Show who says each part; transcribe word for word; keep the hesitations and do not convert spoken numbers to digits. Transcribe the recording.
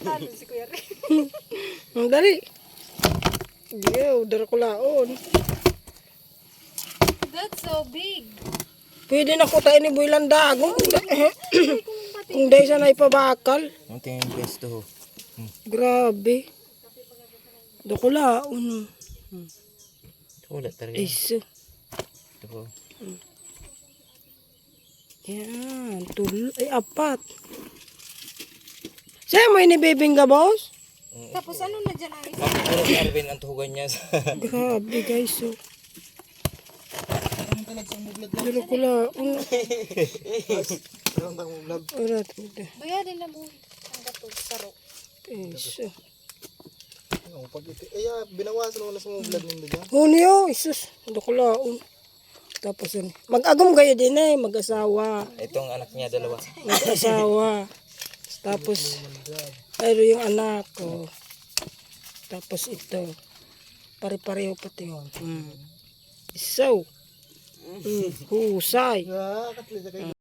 Speaker 1: Talo si Kuya Ray.
Speaker 2: Ang dali. Yo, dara ko laon.
Speaker 1: That's so big.
Speaker 2: Pwede na ko tayo ni Boylan dagong. Kung dahil sana ipabakal.
Speaker 3: Ang tingin guys to. Hmm.
Speaker 2: Grabe. Dako laon.
Speaker 3: Wala talaga.
Speaker 2: Iso.
Speaker 3: Ito po.
Speaker 2: Yan. Tul ay, apat. Sa'yo mo inibibing ka, boss?
Speaker 1: Tapos ano na dyan ang isa?
Speaker 3: Puro si Arvin ang tuhugan niya sa...
Speaker 2: Grabe, guys. So. Dala ko laon. Arat.
Speaker 1: Baya din na mo. Ang gato. Saro.
Speaker 2: Iso.
Speaker 4: Pag ito, ay, ah, binawasan mo na sa mga vlog nito dyan.
Speaker 2: Hunyo, isus. Dako laon. Tapos yun. Mag-agom kayo din eh. Mag-asawa.
Speaker 3: Itong anak niya dalawa.
Speaker 2: Mag-asawa. Tapos, ayun yung anak ko. Tapos ito. Pare-pareho pati yun. Mm. So, mm. husay.
Speaker 4: Ah, katli sa kayo.